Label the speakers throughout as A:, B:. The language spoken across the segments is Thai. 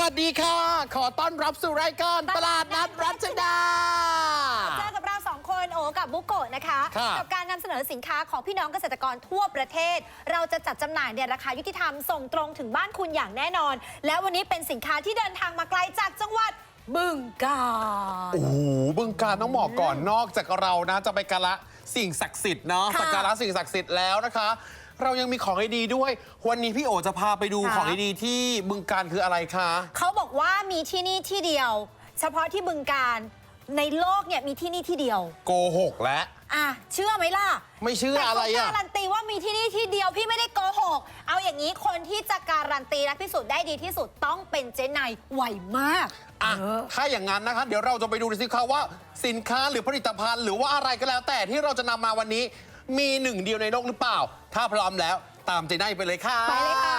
A: สดีค่ะขอต้อนรับสู่รายการตลาดนัดรัชดา
B: เจอกับเรา2 คนโอกับบุโกะนะคะกับการนำเสนอสินค้าของพี่น้องเกษตรกรทั่วประเทศเราจะจัดจำหน่ายในราคายุติธรรมส่งตรงถึงบ้านคุณอย่างแน่นอนแล้ววันนี้เป็นสินค้าที่เดินทางมาไกลจากจังหวัดบึงกาฬ
A: โอ้โหบึงกาฬต้องบอกก่อนนอกจากเรานะจะไปกราสิ่งศักดิ์สิทธิ์เนาะสักการะสิ่งศักดิ์สิทธิ์แล้วนะคะเรายังมีของดีๆด้วยวันนี้พี่โอจะพาไปดูของดีๆที่บึงกาฬคืออะไรคะ
B: เขาบอกว่ามีที่นี่ที่เดียวเฉพาะที่บึงกาฬในโลกเนี่ยมีที่นี่ที่เดียว
A: โกหกและ
B: เชื่อไหมล่ะ
A: ไม่เชื่ออะไร
B: แต่การันตีว่ามีที่นี่ที่เดียวพี่ไม่ได้โกหกเอาอย่างนี้คนที่จะการันตีและพิสูจน์ได้ดีที่สุดต้องเป็นเจ๊นายไวมาก
A: ถ้าอย่างนั้นนะคะเดี๋ยวเราจะไปดูสิคะว่าสินค้าหรือผลิตภัณฑ์หรือว่าอะไรก็แล้วแต่ที่เราจะนำมาวันนี้มีหนึ่งเดียวในโลกหรือเปล่าถ้าพร้อมแล้วตามเจ๊นายไปเลยค่ะ
B: ไปเลยค่ะ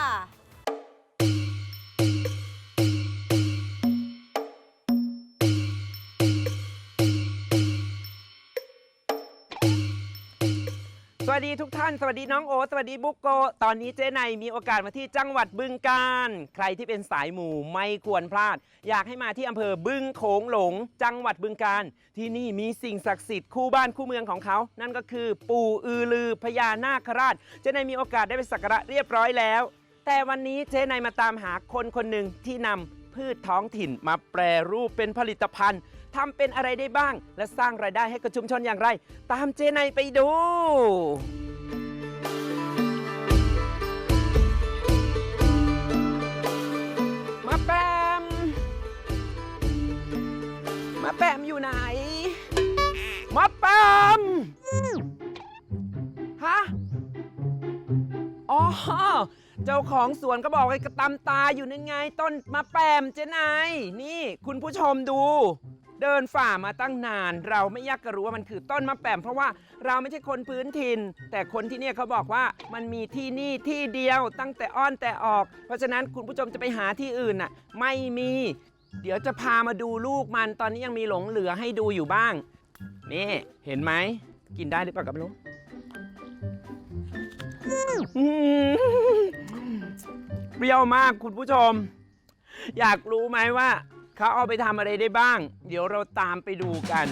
C: สวัสดีทุกท่านสวัสดีน้องโอสวัสดีบุ๊กโกตอนนี้เจ๊ไนมีโอกาสมาที่จังหวัดบึงกาฬใครที่เป็นสายหมู่ไม่ควรพลาดอยากให้มาที่อำเภอบึงโขงหลงจังหวัดบึงกาฬที่นี่มีสิ่งศักดิ์สิทธิ์คู่บ้านคู่เมืองของเขานั่นก็คือปู่อือลือพญานาคราชเจ๊ไนมีโอกาสได้ไปสักการะเรียบร้อยแล้วแต่วันนี้เจ๊ไนมาตามหาคนคนหนึ่งที่นำพืชท้องถิ่นมาแปรรูปเป็นผลิตภัณฑ์ทำเป็นอะไรได้บ้างและสร้างรายได้ให้กับชุมชนอย่างไรตามเจไนไปดูมาแปมอยู่ไหนมาแปมฮะอ๋อเจ้าของสวนก็บอกไอ้กระตำตาอยู่นั่นไงต้นมะแปมเจ๊นายนี่คุณผู้ชมดูเดินฝ่ามาตั้งนานเราไม่อยากจะรู้ว่ามันคือต้นมะแปมเพราะว่าเราไม่ใช่คนพื้นถิ่นแต่คนที่เนี่ยเขาบอกว่ามันมีที่นี่ที่เดียวตั้งแต่อ้อนแต่ออกเพราะฉะนั้นคุณผู้ชมจะไปหาที่อื่นน่ะไม่มีเดี๋ยวจะพามาดูลูกมันตอนนี้ยังมีหลงเหลือให้ดูอยู่บ้างนี่เห็นไหมกินได้หรือเปล่ากับลูกเปรี้ยวมากคุณผู้ชมอยากรู้ไหมว่าเขาเอาไปทำอะไรได้บ้างเดี๋ยวเราตามไปดูกัน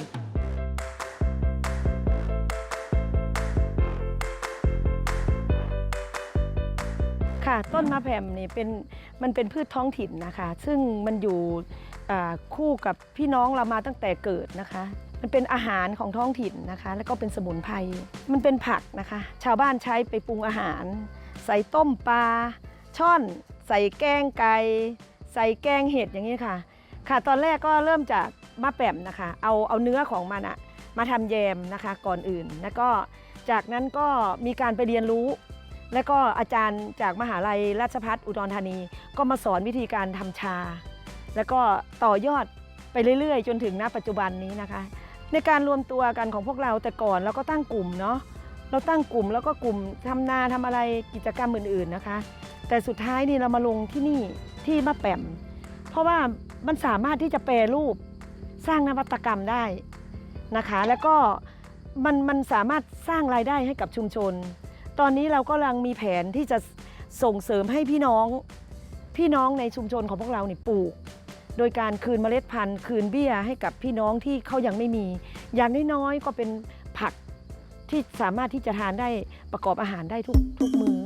D: ค่ะต้นมะแผ่มนี่มันเป็นพืชท้องถิ่นนะคะซึ่งมันอยู่คู่กับพี่น้องเรามาตั้งแต่เกิดนะคะมันเป็นอาหารของท้องถิ่นนะคะแล้วก็เป็นสมุนไพรมันเป็นผักนะคะชาวบ้านใช้ไปปรุงอาหารใส่ต้มปลาช่อนใส่แกงไก่ใส่แกงเห็ดอย่างนี้ค่ะตอนแรกก็เริ่มจากมะแป่มนะคะเอาเนื้อของมันมาทำแยมนะคะก่อนอื่นแล้วก็จากนั้นก็มีการไปเรียนรู้แล้วก็อาจารย์จากมหาลัยราชภัฏอุดรธานีก็มาสอนวิธีการทำชาแล้วก็ต่อยอดไปเรื่อยๆจนถึงณปัจจุบันนี้นะคะในการรวมตัวกันของพวกเราแต่ก่อนเราก็ตั้งกลุ่มเนาะเราตั้งกลุ่มแล้วก็กลุ่มทำนาทำอะไรกิจกรรมอื่นๆนะคะแต่สุดท้ายนี่เรามาลงที่นี่ที่มะแป่มเพราะว่ามันสามารถที่จะแปรรูปสร้างนวัตกรรมได้นะคะแล้วก็มันสามารถสร้างรายได้ให้กับชุมชนตอนนี้เราก็กำลังมีแผนที่จะส่งเสริมให้พี่น้องในชุมชนของพวกเราเนี่ยปลูกโดยการคืนเมล็ดพันธุ์คืนเบี้ยให้กับพี่น้องที่เขายังไม่มีอย่างน้อยๆก็เป็นผักที่สามารถที่จะทานได้ประกอบอาหารได้ทุกมื้อ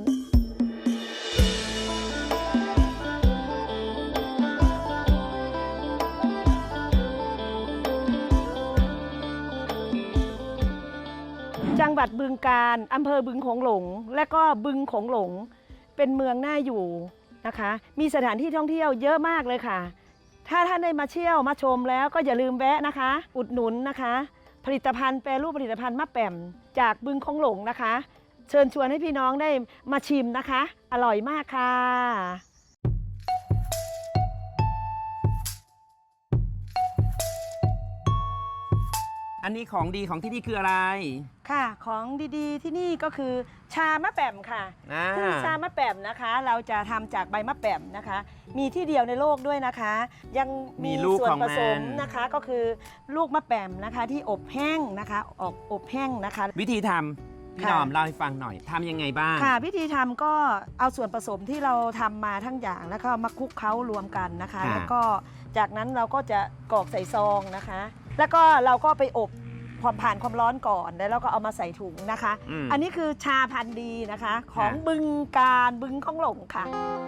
D: จังหวัดบึงกาฬอำเภอบึงโขงหลงและก็บึงโขงหลงเป็นเมืองน่าอยู่นะคะมีสถานที่ท่องเที่ยวเยอะมากเลยค่ะถ้าท่านได้มาเที่ยวมาชมแล้วก็อย่าลืมแวะนะคะอุดหนุนนะคะผลิตภัณฑ์แปรรูปผลิตภัณฑ์มะแป่มจากบึงโขงหลงนะคะเชิญชวนให้พี่น้องได้มาชิมนะคะอร่อยมากค่ะ
C: อันนี้ของดีของที่นี่คืออะไร
D: ค่ะของดีๆที่นี่ก็คือชามะแป่มค่ะซึ่งชามะแป่มนะคะเราจะทำจากใบมะแป่มนะคะมีที่เดียวในโลกด้วยนะคะยังมีส่วนผสมนะคะก็คือลูกมะแป่มนะคะที่อบแห้งนะคะอบแห้งนะคะ
C: วิธีทพี่นอมเล่าให้ฟังหน่อยทำยังไงบ้าง
D: ค่ะวิธีทำก็เอาส่วนผสมที่เราทำมาทั้งอย่างแล้วก็มาคลุกเคล้ารวมกันนะคะ
C: ค่ะ
D: แล้วก็จากนั้นเราก็จะกรอกใส่ซองนะคะ แล้วก็เราก็ไปอบความผ่านความร้อนก่อนแล้วเราก็เอามาใส่ถุงนะคะ อันนี้คือชาพันธุ์ดีนะคะ ของบึงการบึงของหลงค่ะ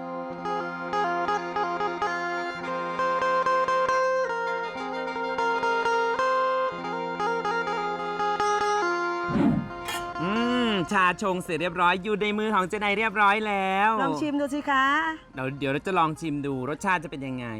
C: ชาชงเสร็จเรียบร้อยอยู่ในมือของเจไนเรียบร้อยแล้ว
D: ลองชิมดูสิคะ
C: เดี๋ยวเราจะลองชิมดูรสชาติจะเป็นยังไง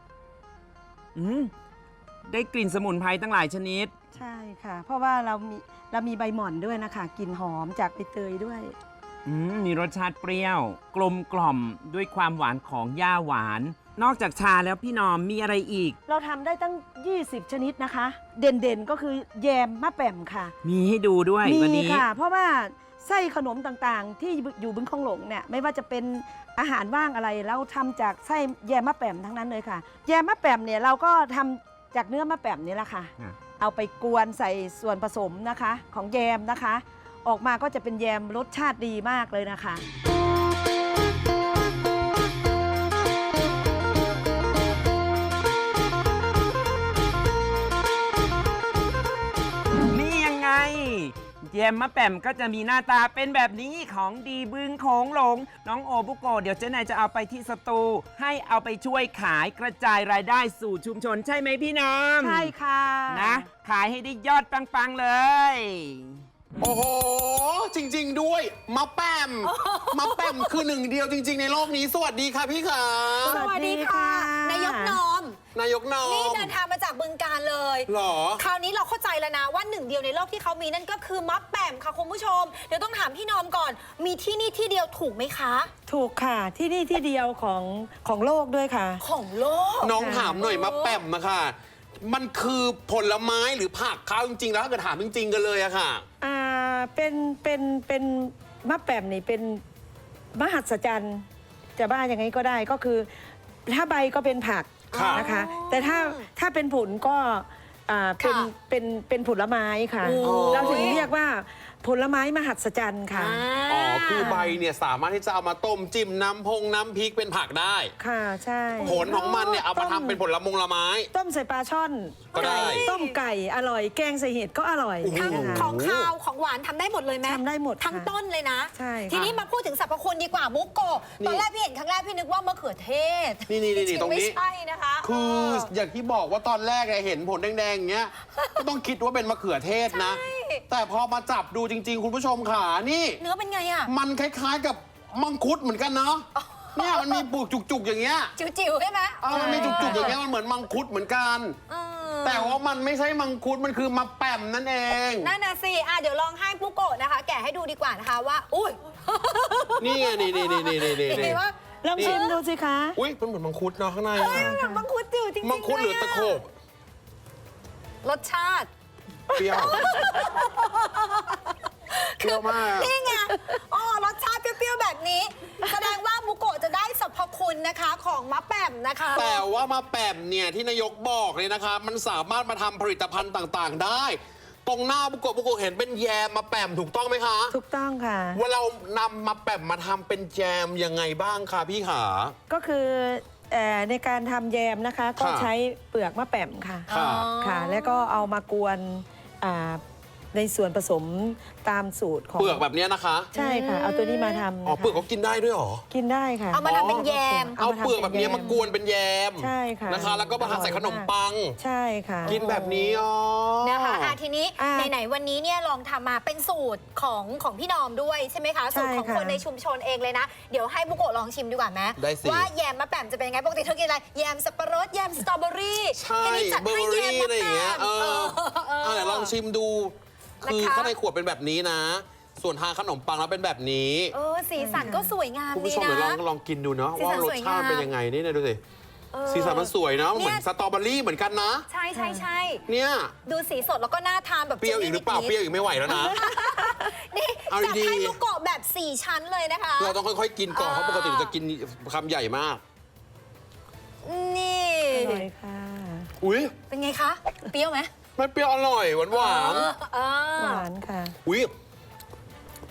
C: ได้กลิ่นสมุนไพรตั้งหลายชนิด
D: ใช่ค่ะ เพราะว่าเรามีใบหม่อนด้วยนะคะกลิ่นหอมจากใบเตยด้วย
C: มีรสชาติเปรี้ยว กลมกล่อมด้วยความหวานของย่าหวาน นอกจากชาแล้วพี่นอมมีอะไรอีก
D: เราทำได้ตั้ง 20 ชนิดนะคะ เด่นๆก็คือแยมมะแป่มค่ะ
C: มีให้ดูด้วยวัน
D: มี
C: นี้
D: ค่ะ เพราะว่าไส้ขนมต่างๆ ที่อยู่บึงคองหลงเนี่ยไม่ว่าจะเป็นอาหารว่างอะไรเราทำจากไส้แยมมะแป่มทั้งนั้นเลยค่ะ แยมมะแป่มเนี่ยเราก็ทำจากเนื้อมะแป่มนี่แหละค่ะ เอาไปกวนใส่ส่วนผสมนะคะของแยมนะคะ ออกมาก็จะเป็นแยมรสชาติดีมากเลยนะคะ
C: นี่ยังไงแยมมะแป่มก็จะมีหน้าตาเป็นแบบนี้ของดีบึงโขงหลง น้องโอบุโกะเดี๋ยวเจ๊นายจะเอาไปที่สตูให้เอาไปช่วยขายกระจายรายได้สู่ชุมชนใช่ไหมพี่น้อง
D: ใช่ค่ะ
C: นะขายให้ได้ยอดปังๆเลย
A: โอ้โห จริง ๆ ด้วยมะแปมมะแปมคือหนึ่งเดียวจริง ๆ ในโลกนี้ สวัสดีค่ะพี่ขา
B: สวัสดีค่ะ นายกนอม
A: นายกนอ
B: นี่
A: ม
B: เดินทางมาจากบึงการเลย
A: หรอ
B: คราวนี้เราเข้าใจแล้วนะว่าหนึ่งเดียวในโลกที่เขามีนั่นก็คือมะแป่มค่ะคุณผู้ชม เดี๋ยวต้องถามพี่นอมก่อน มีที่นี่ที่เดียวถูกไหมคะ
D: ถูกค่ะที่นี่ที่เดียวของโลกด้วยค่ะ
B: ของโลก
A: น้องถามหน่อยมะแปมอะค่ะ มันคือผลไม้หรือผักเขาจริงๆแล้วถ้าเกิดถามจริง ๆ กันเลยอะค่ะ
D: เป็นมะแป่มนี่เป็นมหัศจรรย์จะบ้ายังไงก็ได้ก็คือ ถ้าใบก็เป็นผัก
A: ค่ะ
D: นะคะ แต่ถ้าเป็นผลก็เป็นผลไม้ค่ะ
B: โอ้ย
D: เราถึงเรียกว่าผลไม้มหัศจรรย์ค่ะ
A: อ๋อ คือใบเนี่ยสามารถที่จะเอามาต้มจิ้มน้ำพริกเป็นผักได้
D: ค่ะใช่
A: ผลของมันเนี่ยเอามาทำเป็นผลไม้
D: ต้มใส่ปลาช่อน
A: ก็ได้
D: ต้มไก่อร่อย แกงใส่เห็ดก็อร่อย
B: ทั้ง
D: นะคะ
B: ของคาวของหวานทำได้หมดเลยไหม
D: ทำได้หมดค่ะ
B: ทั้งต้นเลยนะ
D: ใช่ค่ะ
B: ทีนี้มาพูดถึงสรรพคุณดีกว่าบุกโกะ
A: นี่
B: ตอนแรกพี่เห็นครั้งแรกพี่นึกว่ามะเขือเทศ
A: นี่
B: จๆ
A: ตรงนี้
B: ไม่ใช่นะคะ
A: คืออย่างที่บอกว่าตอนแรกเห็นผลแดงๆอย่างเงี้ย ก็ต้องคิดว่าเป็นมะเขือเทศนะ
B: ใช่
A: แต่พอมาจับดูจริง ๆ คุณผู้ชมขานี่
B: เนื้อเป็นไงอะ
A: มันคล้ายๆกับมังคุดเหมือนกันเนาะ เนี่ยมันมีปุกจุกๆอย่างเงี้ย
B: จิ๋วๆใช่ไหม
A: มันมีจุกๆอย่างเงี้ยมันเหมือนมังคุดเหมือนกัน
B: เออ
A: แต่ว่ามันไม่ใช่มังคุดมันคือมะแป่มนั่นเอง
B: นั่นน่ะสิเดี๋ยวลองให้บุกโกะนะคะ แกะให้ดูดีกว่านะคะว่า อุ้ย
A: นี่ไงนี่
B: เห็นว่า
D: ลองชิมดูสิคะ
A: อุ้ยมันเหมือนมังคุดเนาะข้างในอะ
B: เหมือนมังคุดจิ๋วจริงๆ
A: มังคุดหรือตะโขบ
B: รสชาติ
A: เปรี้ยวเปรี้ยวมาก
B: นี่ไงรสชาติเปรี้ยวๆแบบนี้ แสดงว่าบุโกะจะได้สรรพคุณนะคะของมะแป่มนะคะ
A: แต่ว่ามะแป่มเนี่ยที่นายกบอกเลยนะคะ มันสามารถมาทำผลิตภัณฑ์ต่างๆ ได้ ตรงหน้าบุโกะเห็นเป็นแยมมะแป่มถูกต้องไหมคะ
D: ถูกต้องค่ะ
A: ว่าเรานำมะแป่มมาทำเป็นแยมยังไงบ้างคะพี่ขา
D: ก็คือในการทำแยมนะคะ ก็
A: ค่ะ
D: ใช้เปลือกมะแป่มค่ะ
A: ค่ะ
D: ค่ะ แล้วก็เอามากวนในส่วนผสมตามสูตรของ
A: เปลือกแบบเนี้ยนะคะ
D: ใช่ค่ะ เอาตัวนี้มาทำ
A: อ๋อ
D: นะคะ
A: เปลือกเขากินได้ด้วยเหรอ
D: กินได้ค่ะ
B: เอามาทำเป็นแยม
A: เอาเปลือกแบบเนี้ยมากวนเป็นแยม
D: ใช่ค่ะ
A: นะคะ แล้วก็มาใส่ขนมปัง
D: ใช่ค่ะ
A: กินแบบนี้อ๋อ
B: นะคะทีนี้
D: อ่า
B: ไหนๆวันนี้เนี่ยลองทำมาเป็นสูตรของพี่นอมด้วยใช่ไหมคะ
D: ใช่
B: สูตรของ
D: ค่ะ
B: คนในชุมชนเองเลยนะ เดี๋ยวให้บุโกะลองชิมดีกว่าไหม
A: ได้สิ
B: ว่าแยมมะแป่มจะเป็นยังไงปกติเธอกินอะไรแยมสับปะรดแยมสตรอเบอรี่
A: ใช่
B: ทีนี้จัด
A: เบอ
B: ให้
A: ร์
B: แย
A: รี่
B: ม
A: อะไรอย่างเงี้ย
B: มะแป่ม
A: เดี๋ยวลองชิมดู คือ
B: นะคะ
A: ข้างในขวดเป็นแบบนี้นะ ส่วนทางขนมปังแล้วเป็นแบบนี้
B: สีสันก็สวยงาม
A: คุณ
B: ดี
A: ผู้ชมเดี๋ยว
B: นะ
A: ลองกินดูเนาะ
B: สีสั
A: ว่าน รส
B: สวย
A: ชาติ
B: งาม
A: เป็นยังไงนี่นะดูสิ
B: เออ
A: สีสันมันสวยเนาะเหมือน
B: เนี่ย
A: สตรอเบอรี่เหมือนกันนะ
B: ใช่ใช่ใช่
A: เนี่ย
B: ดูสีสดแล้วก็น่าทานแบบ
A: เปรี้ยวอีกหรือเปล่าเปรี้ยวอีกไม่ไหวแล้วนะ
B: นี่
A: เอา
B: จัด
A: ดีๆ
B: ให้บุโกะแบบ 4 ชั้นเลยนะคะ
A: เราต้องค่อยๆกินก่อนเพราะปกติเราจะกินคำใหญ่มาก
B: นี่
D: อร่อยค่ะ
A: อุ้ย
B: เป็นไงคะ เปรี้ยวไหม
A: มันเปรี้ยวอร่อยหวาน
B: เออ
D: หวานค่ะ
A: ๆอุ้ย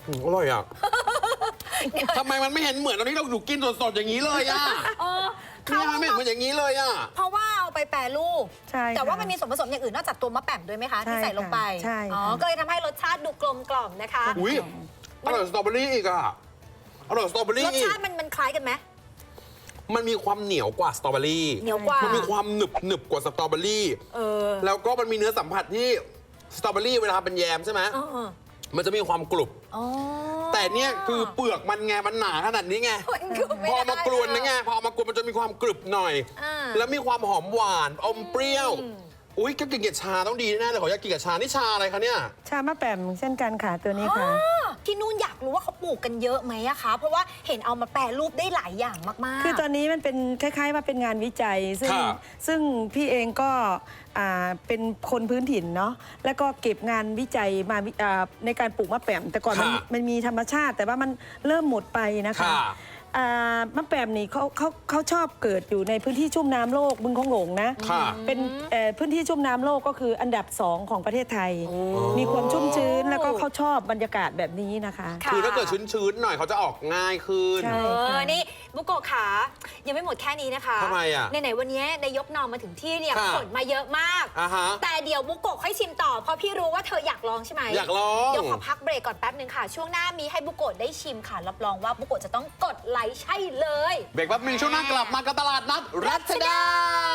A: อร่อยอ่ะ ทำไมมันไม่เห็นเหมือนตอนที่เราหนูกินสดๆอย่างนี้เลยอ่ะ
B: เขา
A: เนี่ยมันไม่เห็นเหมือนอย่างนี้เลยอ่ะ
B: เพราะว่าเอาไปแปรรูป
D: ใช่ค่ะ
B: แต่ว่ามันมีส่วนผสมอย่างอื่นนอกจากตัวมะแป่มด้วยไหมคะ
D: ใช่
B: ที่ใส่ลงไป
D: ค่ะใช่ค่ะ
B: อ๋อก็เลยทำให้รสชาติดูกลมกล่อมนะคะ
A: อุ้ยอร่อยสตรอเบอรี่อีกอ่ะอร่อยสตรอเบอรี่
B: รสชาติมันคล้ายกันไหม
A: มันมีความเหนียวกว่าสตรอเบอรี่
B: เหนียวกว่า
A: มันมีความหนึบกว่าสตรอเบอรี่ แล้วก็มันมีเนื้อสัมผัสที่สตรอเบอรี่เวลาเป็นแยมใช่ไหม มันจะมีความกรุบ
B: อ๋อ
A: แต่เนี่ยคือเปลือกมันไง มันหนาขนาดนี้ไง
B: มันกรุบไม่
A: พอ
B: ได้
A: มากรวนนะไง พอเอามากรวนมันจะมีความกรึบหน่อย
B: อ่า
A: แล้วมีความหอมหวาน อมเปรี้ยว อุ้ยก็กินกับชาต้องดีแน่เลยขออยากกินกับชา นี่ชาอะไรคะเนี่ย
D: ชามะแปมเช่นกันค่ะตัวนี้ค่ะ
B: ที่นู่นอยากรู้ว่าเขาปลูกกันเยอะไหมอะคะ เพราะว่าเห็นเอามาแปรรูปได้หลายอย่างมากๆ
D: คือตอนนี้มันเป็นคล้ายๆว่าเป็นงานวิจัย
A: ค่ะ
D: ซึ่งพี่เองก็เป็นคนพื้นถิ่นเนาะแล้วก็เก็บงานวิจัยมาในการปลูกมะแปมแต่ก่อนมันมีธรรมชาติ แต่ว่ามันเริ่มหมดไปนะคะ
A: ค่ะ
D: มะแปมนี่เขาชอบเกิดอยู่ในพื้นที่ชุ่มน้ำโลกบึงโขงหลงนะ
A: ค่ะ
D: เป็นพื้นที่ชุ่มน้ำโลกก็คืออันดับ 2 ของประเทศไทย มีความชุ่มชื้นแล้วก็เขาชอบบรรยากาศแบบนี้นะคะ
B: ค่ะ
A: คือถ้าเกิดชื้นๆหน่อยเขาจะออกง่ายขึ้น
D: ใช่
B: นี่บุโกะขายังไม่หมดแค่นี้นะคะ
A: ทำไมอะ
B: ไหนๆวันนี้นายกนอมมาถึงที่เนี่ย
A: ค่ะ
B: ขนมาเยอะมาก
A: อ่าฮะ
B: แต่เดี๋ยวบุโกะค่อยชิมต่อ เพราะพี่รู้ว่าเธออยากลองใช่ไหม
A: อยากลอง
B: เดี๋ยวขอพักเบรกก่อนแป๊บนึงค่ะ ช่วงหน้ามีให้บุโกะได้ชิมค่ะ รับรองว่าบุโกะจะต้องกดไลค์ใช่เลย
A: เบรกแป๊บนึงช่วงหน้ากลับมากับตลาดนัดรัชดา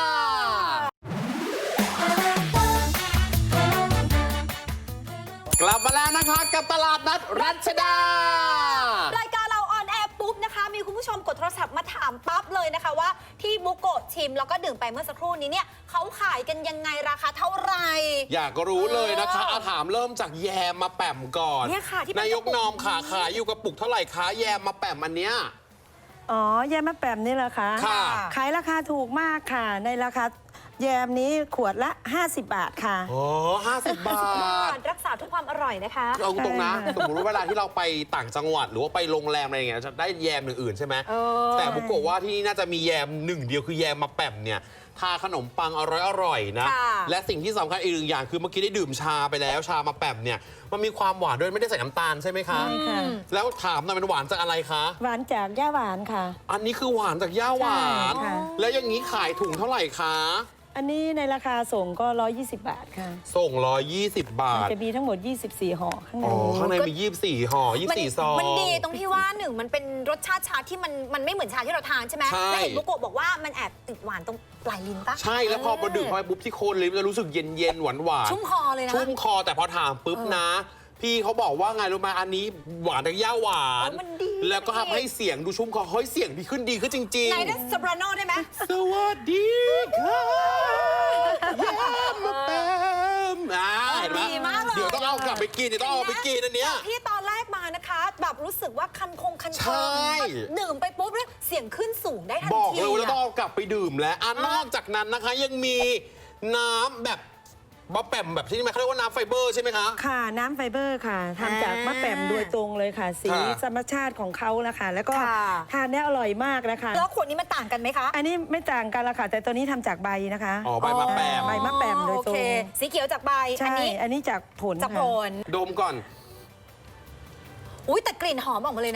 A: กลับมาแล้วนะคะกับตลาดนัดรัชดา
B: รายการเราออนแอร์ปุ๊บนะคะ มีคุณผู้ชมกดโทรศัพท์มาถามปั๊บเลยนะคะว่าที่บุโกะชิมแล้วก็ดื่มไปเมื่อสักครู่นี้เนี่ยเขาขายกันยังไงราคาเท่าไหร่
A: อยากรู้เลยนะคะอาถามเริ่มจากแยมมาแป่มก่อน
B: เนี่ยค่ะที่เป็น
A: นายก
B: กระปุก
A: นอมขาขายอยู่กระปุกเท่าไหร่คะแยมมาแป่มอันเนี้ย
D: อ๋อแยมมะแปมนี่เหรอคะ
A: ค่ะ
D: ขายราคาถูกมากค่ะ ในราคาแยมนี้ขวดละ 50 บาทค่ะ
A: โอ้50 บาท
B: รักษาทุกความอร่อยนะคะ
A: เอาตรงนะ
D: ใช่ค่ะ
A: สมมติว่าเวลาที่เราไปต่างจังหวัดหรือว่าไปโรงแรมอะไรอย่างเงี้ยจะได้แยมอื่นๆใช่ไหม แต่บุกโกะว่าที่นี่น่าจะมีแยมหนึ่งเดียวคือแยมมาแป่มเนี่ยทาขนมปังอร่อยๆนะ
B: ค่ะ
A: และสิ่งที่สำคัญอีกหนึ่งอย่างคือเมื่อกี้ได้ดื่มชาไปแล้วชามาแป่มเนี่ยมันมีความหวานด้วยไม่ได้ใส่น้ำตาลใช่ไหมคะ
D: ใช่ค่ะ
A: แล้วถามหน่อยมันหวานจากอะไรคะ
D: หวานจากย่าหวานค่ะ
A: อันนี้คือหวานจากย่าหวาน
D: ใช่ค่ะ
A: แล้วอย่างนี้ขายถุงเท่าไหร่คะ
D: อันนี้ในราคาส่งก็ 120 บาทค่ะ
A: ส่ง120 บาท
D: จะมีทั้งหมด 24 ห่อข้างใน
A: อ๋อ
D: นี้
A: ข้างในมี24ห่อ24ซอง
B: มันดีตรงที่ว่าหนึ่งมันเป็นรสชาติชาที่มันไม่เหมือนชาที่เราทานใช่ไหม
A: ใช่
B: และเห็นบุโกะบอกว่ามันแอบติดหวานตรงปลายลิ้นปะ
A: ใช่แล้วพอมาดื่มเข้าไปปุ๊บที่โคนลิ้นมันจะรู้สึกเย็นๆหวานๆ
B: ชุ่มคอเลยนะ
A: ชุ่มคอแต่พอถามปุ๊บนะ พี่เขาบอกว่าไงรู้ไหมอันนี้หวานจากย่าหวาน
B: มันดี
A: แล้วก็ทำให้เสียงดูชุ่มคอเฮ้ยเสียงดีขึ้นจริง
B: ไหนได้ซโปราโนได้ไหม
A: ๆ สวัสดีค่ะย่ามาแปมเห็นไหม
B: ดีมากเลย
A: เดี๋ยวต้องเอากลับไปกินเดี๋ยวต้องเอาไปกินอันเนี้ย
B: ที่ตอนแรกมานะคะ แบบรู้สึกว่าคันคอ
A: ใช่
B: ดื่มไปปุ๊บเนี่ยเสียงขึ้นสูงได้ทันที
A: บอกเลยว่าเราต้อง
B: อะ
A: เอากลับไปดื่มแล้วนอกจากนั้นนะคะยังมีน้ำแบบมะแป่มแบบที่นี่เขาเรียกว่าน้ำไฟเบอร์ใช่ไหมคะ
D: ค่ะน้ำไฟเบอร์ค่ะทำจากมะแปมโดยตรงเลยค่ะ สี
A: ค่ะ
D: ธรรมชาติของเขานะคะ แล้วก็
B: ค่ะ
D: ทานได้อร่อยมากนะคะ
B: แล้วขวดนี้มันต่างกันไหมคะ
D: อันนี้ไม่ต่างกันละค่ะ แต่ตัวนี้ทำจากใบนะคะ
A: อ๋อใบมะแปม
D: ใบมะแปมโดย
B: โอ
D: ตร
B: เค
D: ง
B: สีเขียวจากใบ
D: ใช่ อันนี้จากผล
B: จากผ
D: ค่ะ
B: ล
A: ดมก่อน
B: อุ้ยแต่กลิ่นหอมออกมาเลยนะ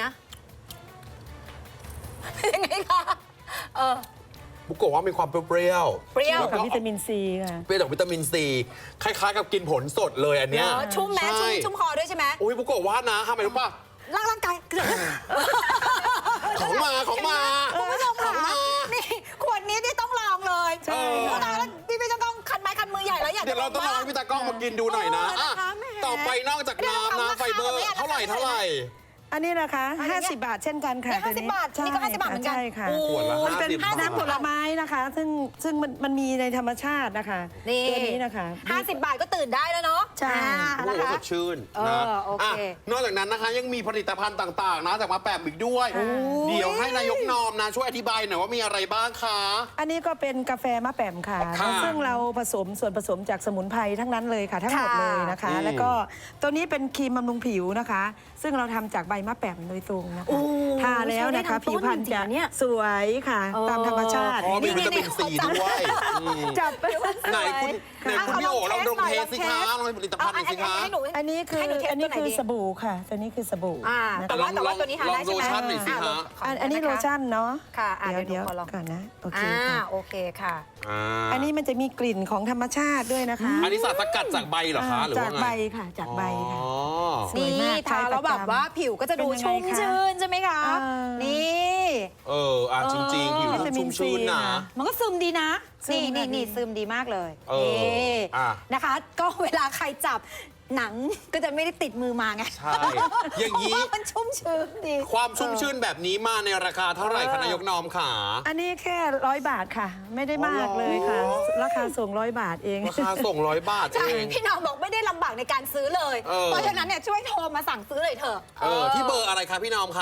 B: ยังไงคะ
A: บุกโกะว่ามีความเปรี้ยว
B: เปรี้ยว
A: แล้ว
D: กับ
A: ก็
D: วิตามินซีค่ะ
A: เปรี้ยวจากวิตามินซีคล้ายๆกับกินผลสดเลยอันเนี้ย
B: เนอะชุ่มแม้
A: ใช่
B: ชุ่มคอด้วยใช่ไหม
A: อุ้ยบุกโกะว่านะทำไมรู้ป่ะ
B: ร่างกายเกิด
A: ของมาของมา
B: คุณผู้ชม
A: ขอ
B: ค่ะ
A: งมา
B: นี่ขวดนี้ที่ต้องลองเลย
D: ใช่
B: เพราะตอนนั้นพี่จะต้องคันไม้คันมือใหญ่แล้วอยาก
A: เดี๋ยวเราต้องลองให้พี่ตากล้องมากินดูหน่อยนะ
B: เออ
A: อ่ะ
B: นะคะแหม
A: ต่อไปนอกจากน้ำนะไฟเบอร์เท่าไหร่
D: อันนี้นะคะ
B: อันนี้
D: 50 บาทเช่นกันค่ะ
B: นี่
D: ตัวนี้
B: 50 บาทนี่ก็50 บาทเหมือนกัน
D: ใช่ค่ะ
B: โอ้
A: ขวดละ
D: มันเป็น
A: 50 บาท
D: น้ำผลไม้นะคะ ซึ่งมันมีในธรรมชาตินะคะ
B: นี่
D: ตัวนี้นะคะ
B: 50 บาทก็ตื่นได้แล้วเนาะ
D: ใช่
A: โอ้
B: นะ
A: โห
B: คะ
A: สดชื่น
B: เอ
A: นะ
B: อโอเค
A: ะนอกจากนั้นนะคะยังมีผลิตภัณฑ์ต่างๆ นะจากมาแปมอีกด้วย เดี๋ยวให้นายกนอมนะช่วยอธิบายหน่อยว่ามีอะไรบ้างคะ
D: อันนี้ก็เป็นกาแฟมะแปมค่ะ
A: ค่ะ
D: ซึ่งเราผสมส่วนผสมจากสมุนไพรทั้งนั้นเลยค่ะ ทั้งหมดเลยนะคะ
A: ค่ะ
D: แล้วก็ตัวนี้เป็นครีมบำรุงผิวนะคะซึ่งเราทำจากใบมะแปมโดยตรงนะ
B: โอ้
D: คะทาแล้วนะคะ
B: ใช้ได้ทั้งต้น
D: ผิวพรรณ
B: จริงๆ
D: จะ
B: เนี่ย
D: สวยค่ะ ตามธรรมชาติ
A: อ๋อมีวิตามินซีด้วยอืม
D: จับไป
A: ไหนคุณพี่โอ๋ลองเทสสิคะลองผลิตภัณฑ์หน่อยสิคะ
B: ให้หนู
D: อันนี้คือ
B: ให้หนูเทส
D: อันนี้
B: ตัวไหน
D: คือ
B: ดี
D: สบู่ค่ะตัวนี้คือสบู่
B: อ่า
D: นะ
B: แต่
D: คะ
B: ว่าตัวนี้ทาได้ใช่ไหม
A: ลองโลชั่นหน่อยสิคะ
D: อันนี้โลชั่นเนาะ
B: ค่ะอ่ะ
D: เดี๋ยว
B: ขอลอง
D: ก่อนนะโอเค
B: อ่า
D: ค่ะ
B: โอเคค่ะ
D: อันนี้มันจะมีกลิ่นของธรรมชาติด้วยนะคะ
A: อันนี้สารสกัดจากใบเหรอคะหรือ
D: จา
A: ว่าก ไง
D: ใบค่ะจากใบค่ะ
A: อ๋อ
D: สวยมาก
B: ทาแล้วแบบว่าผิวก็จะดู
D: เป็นยังไง
B: ชุ่ม
D: คะ
B: ชื่นใช่ไหมคะ
D: อ่า
B: นี่
A: จริงๆ ผิว
D: วิตามิ
A: ชุ่
D: น
A: มชื่น
D: ซี
A: นะ
D: ค่ะ
B: มันก็ซึมดีนะ
D: ซึม
B: นี่
D: ค่ะ
B: นี่ซึมดีมากเลย
A: เออ
B: นี่
A: อ่ะ
B: นะคะ ก็เวลาใครจับหนังก็จะไม่ได้ติดมือมาไง
A: ใช่ อย่างนี้
B: เพระว่มันชุ่มชื้นดี
A: ความชุ่มชื่นแบบนี้มาในราคาเท่าไหร่คะนายกนอมขา
D: อันนี้แค่100 บาทค่ะ ไม่ได้มากเลยค่ะ
A: อ๋อ
D: ราคาส่ง100 บาทเอง
A: ราคาส่ง100 บาท
B: ใช่
A: เอง
B: พี่น้องบอกไม่ได้ลำบากในการซื้อเลย
A: เออ
B: เพราะฉะนั้นเนี่ยช่วยโทรมาสั่งซื้อเลยเถอะ
A: ที่เบอร์อะไรคะพี่นอมขา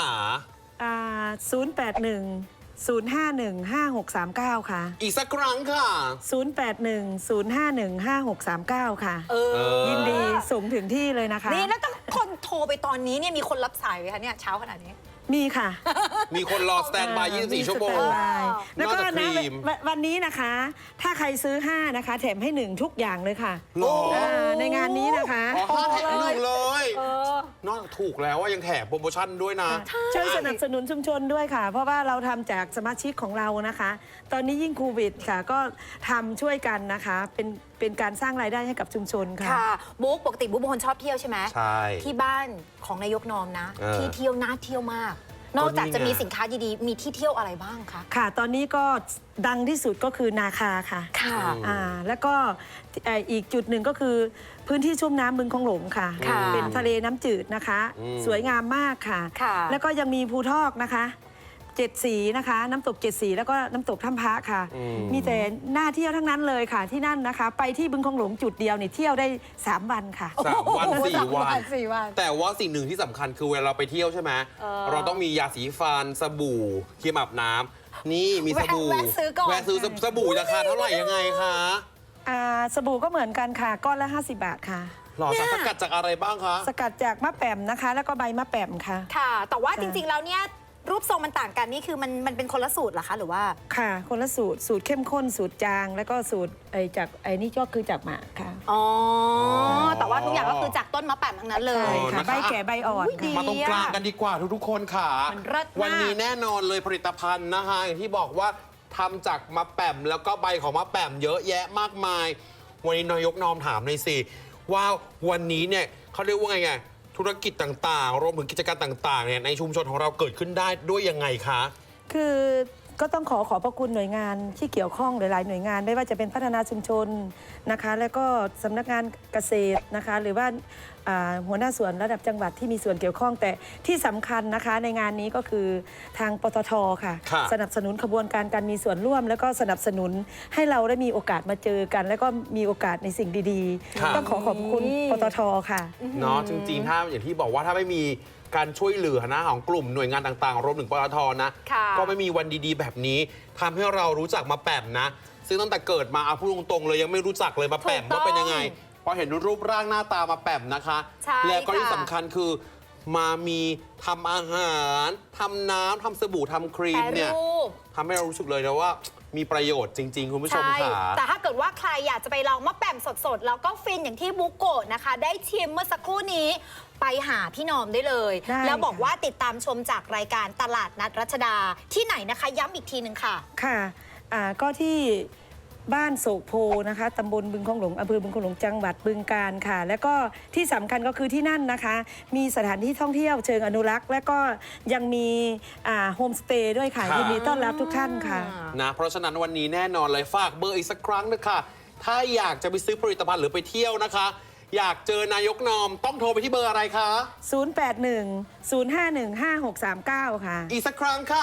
D: 081 051 5639 ค่ะ
A: อีกสักครั้งค่ะ
D: 081 051 5639 ค่ะ ยินดีส่งถึงที่เลยนะคะ
B: นี่แล้วถ้าคนโทรไปตอนนี้เนี่ยมีคนรับสายไหมคะเนี่ยเช้าขนาดนี้
D: มีค่ะ
A: มีคนรอสแตนบาย24 ชั่วโมง
D: สแตนบายแล้วก็
A: นอกจากค
D: นะ
A: รีม
D: วันนี้นะคะ ถ้าใครซื้อ 5 นะคะ แถมให้ 1 ทุกอย่างเลยค่ะ
A: หรอ
D: ในงานนี้นะคะ
A: อ๋อ5 แถม 1เลย
B: เออ
A: นอกจากถูกแล้วว่ายังแถมโปรโมชั่นด้วยนะ
D: ช่วยสนับสนุนชุมชนด้วยค่ะ เพราะว่าเราทำจากสมาชิกของเรานะคะ ตอนนี้ยิ่งโควิดค่ะ ก็ทำช่วยกันนะคะ เป็นการสร้างรายได้ให้กับชุมชนค่ะ
B: ค่ะบุ๊กปกติบุ๊กเป็นคนชอบเที่ยวใช่ไหม
A: ใช่
B: ที่บ้านของนายกนอมนะ
A: เออ
B: ที่เที่ยวน่าเที่ยวมาก นอกจาก
A: ก็นี่
B: จะมี
A: ไง
B: สินค้าดีๆ มีที่เที่ยวอะไรบ้างคะ
D: ค่ะ ตอนนี้ก็ดังที่สุดก็คือนาคาค่ะ
B: ค่ะ
D: แล้วก็อีกจุดหนึ่งก็คือพื้นที่ชุ่มน้ำบึงคงหลงค่ะ
B: ค่ะ
D: เป็นทะเลน้ำจืดนะคะ สวยงามมากค่ะ
B: ค่ะ
D: แล้วก็ยังมีภูทอกนะคะ7 สีนะคะ น้ำตก7 สีแล้วก็น้ำตกถ้ำพระค่ะ มีแต่น่าเที่ยวทั้งนั้นเลยค่ะที่นั่นนะคะ ไปที่บึงคงหลงจุดเดียวนี่เที่ยวได้ 3 วันค่ะ
A: 3 วัน 4 วัน
B: 4 วัน
A: แต่ว่าสิ่งหนึ่งที่สำคัญคือเวลาเราไปเที่ยวใช่ไหม เราต้องมียาสีฟันสบู่ครีมอาบน้ำนี่มีสบู่
B: แวะซื้อก่อน
A: แวะซื้อสบู่ราคาเท่าไหร่ยังไงคะ
D: สบู่ก็เหมือนกันค่ะ ก้อนละ 50 บาทค่ะ
A: หล่อสารสกัดจากอะไรบ้างคะ
D: สกัดจากมะแป่มนะคะ แล้วก็ใบมะแป่มค่ะ
B: ค่ะ แต่ว่าจริงๆแล้วเนี่ยรูปทรงมันต่างกันนี่คือมันเป็นคนละสูตรเหรอคะหรือว่า
D: ค่ะ คนละสูตรสูตรเข้มข้นสูตรจาง แล้วก็สูตรจากนี่ก็คือจากหมากค่ะ
B: อ๋อ แต่ว่าทุกอย่างก็คือจากต้นมะแปมทั้งนั้นเลย
D: ใช่ค่ะ
A: นะคะ
D: ใบแก่ใบอ่อน
B: อุ๊ยดี
D: ค่ะ
A: มาตรงกลางกันดีกว่าทุกๆคนค่ะ
B: มันเลิศมาก
A: วันนี้แน่นอนเลยผลิตภัณฑ์นะคะอย่างที่บอกว่าทำจากมะแป่มแล้วก็ใบของมะแป่มเยอะแยะมากมาย วันนี้นายกนอมถามหน่อยสิว่าวันนี้เนี่ยเขาเรียกว่าไงธุรกิจต่างๆรวมถึงกิจการต่างๆเนี่ยในชุมชนของเราเกิดขึ้นได้ด้วยยังไงคะ
D: คือก็ต้องขอบพระคุณหน่วยงานที่เกี่ยวข้องหลายๆหน่วยงานไม่ว่าจะเป็นพัฒนาชุมชนนะคะ แล้วก็สำนักงานเกษตรนะคะ หรือว่าหัวหน้าส่วนระดับจังหวัดที่มีส่วนเกี่ยวข้อง แต่ที่สำคัญนะคะในงานนี้ก็คือทางปตทค่ะ
A: ค่ะ
D: สนับสนุนขบวนการมีส่วนร่วม แล้วก็สนับสนุนให้เราได้มีโอกาสมาเจอกัน แล้วก็มีโอกาสในสิ่งดี
A: ค่ะ
D: ๆ ต้องขอขอบคุณปตทค่ะ
A: เนาะจริงๆถ้าอย่างที่บอกว่าถ้าไม่มีการช่วยเหลือนะของกลุ่มหน่วยงานต่างๆรวมถึงปตทนะ
B: ค่ะ
A: ก็ไม่มีวันดีๆ แบบนี้ทำให้เรารู้จักมาแป่มนะ ซึ่งตั้งแต่เกิดมาเอาพูดตรงๆเลยยังไม่รู้จักเลยมาแป่ม
B: ถูกต้อง
A: ว่าเป็นยังไงพอเห็นรูปร่างหน้าตามาแป่มนะคะ
B: ใช่
A: แล้วก็ที่
B: ค่ะ
A: สำคัญคือมามีทำอาหารทำน้ำทำสบู่ทำครีม
B: แปร
A: เนี่ย
B: รูป
A: ทำให้เรารู้สึกเลยนะว่ามีประโยชน์จริง ๆ คุณผู้ชม
B: ใช่
A: ค่ะ
B: แต่ถ้าเกิดว่าใครอยากจะไปลองมะแป่มสดๆ แล้วก็ฟินอย่างที่บุโกะนะคะ ได้ชิมเมื่อสักครู่นี้ไปหาพี่นอมได้เลย
D: ได้
B: แล้วบอก
D: ค่ะ
B: ว่าติดตามชมจากรายการตลาดนัดรัชดาที่ไหนนะคะ ย้ำอีกทีหนึ่งค่ะ
D: ค่ะก็ที่บ้านโศกโพนะคะตำบลบึงคงหลงอำเภอบึงคงหลงจังหวัดบึงกาฬค่ะ แล้วก็ที่สำคัญก็คือที่นั่นนะคะ มีสถานที่ท่องเที่ยวเชิงอนุรักษ์ และก็ยังมีโฮมสเตย์ด้วยค่ะ
A: ค่ะ
D: ยินดีต้อนรับทุกท่านค่ะ
A: นะเพราะฉะนั้นวันนี้แน่นอนเลยฝากเบอร์อีกสักครั้งนะคะถ้าอยากจะไปซื้อผลิตภัณฑ์หรือไปเที่ยวนะคะ อยากเจอนายกนอมต้องโทรไปที่เบอร์อะไรคะ
D: 081-051-5639 ค่ะ
A: อีกสักครั้งค่ะ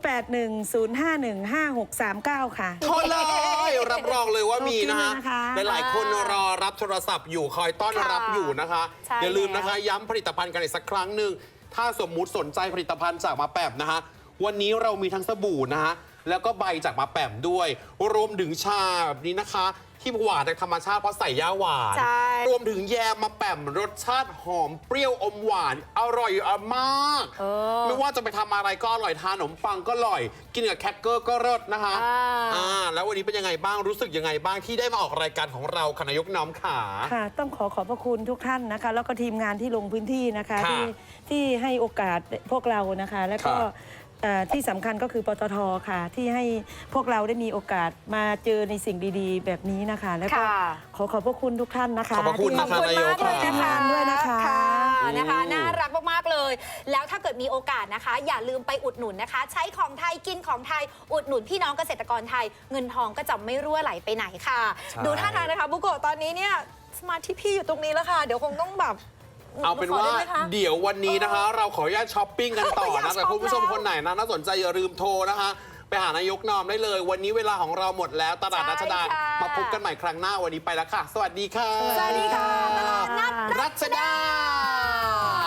D: 081-051-5639 ค่ะ
A: โทรเลยรับรองเลยว่ามีนะฮะ
D: ขอบคุณนะคะ
A: หลายๆคนรอรับโทรศัพท์อยู่คอยต้อนรับอยู่นะคะ
B: ใช่
A: อย่าลืมนะคะ
B: แล้ว
A: ย้ำผลิตภัณฑ์กันอีกสักครั้งหนึ่งถ้าสมมุติสนใจผลิตภัณฑ์จากมาแปมนะคะวันนี้เรามีทั้งสบู่นะฮะแล้วก็ใบจากมาแปมด้วย รวมถึงชาแบบนี้นะคะที่หวานจากธรรมชาติเพราะใส่ย่าหวาน
B: ใช่
A: รวมถึงแยมมาแปมรสชาติหอมเปรี้ยวอมหวานอร่อยมาก ไม่ว่าจะไปทำอะไรก็อร่อยทานขนมปังก็อร่อย กินกับแครกเกอร์ก็รสนะคะ แล้ววันนี้เป็นยังไงบ้างรู้สึกยังไงบ้างที่ได้มาออกรายการของเราคณะยกน้อมขา
D: ค่ะต้องขอบพระคุณทุกท่านนะคะ แล้วก็ทีมงานที่ลงพื้นที่นะคะ
A: ค่ะ
D: ที่ให้โอกาสพวกเรานะคะ แล้วก็
A: ค่ะ
D: ที่สำคัญก็คือปตทค่ะ ที่ให้พวกเราได้มีโอกาสมาเจอในสิ่งดีๆ แบบนี้นะคะ แล้วก็
B: ค่ะ
D: ขอบพระคุณทุกท่านนะคะ
A: ขอบพระคุณ
B: ขอบคุณมากเลย
D: ที
B: นะ
D: ม
B: คะ
D: งานด้วยนะคะ
B: นะคะน่ารักมากๆเลย แล้วถ้าเกิดมีโอกาสนะคะ อย่าลืมไปอุดหนุนนะคะ ใช้ของไทยกินของไทยอุดหนุนพี่น้องเกษตรกรไทย เงินทองก็จะไม่รั่วไหลไปไหนค่ะ
A: ใช่
B: ดูท่าทางนะคะบุโกะตอนนี้เนี่ยสมาธิพี่อยู่ตรงนี้แล้วค่ะ เดี๋ยวคงต้องแบบ
A: เอาเป็นว่า
B: ขได้ไหมคะ
A: เดี๋ยววันนี้นะคะ เราขออนุญาตช้อปปิ้งกันต่อ
B: อยาก
A: นะแต่
B: ช็อป
A: คุณผู้ชม
B: แล้ว
A: คนไหนนะน่าสนใจอย่าลืมโทรนะคะ ไปหานายกนอมได้เลย วันนี้เวลาของเราหมดแล้วตลาดรัชดา
B: ใช่ค่ะ
A: มาพบกันใหม่ครั้งหน้าวันนี้ไปแล้วค่ะ สวัสดีค่ะ
B: สวัสดีค่ะตลาดนัด
A: รัชดา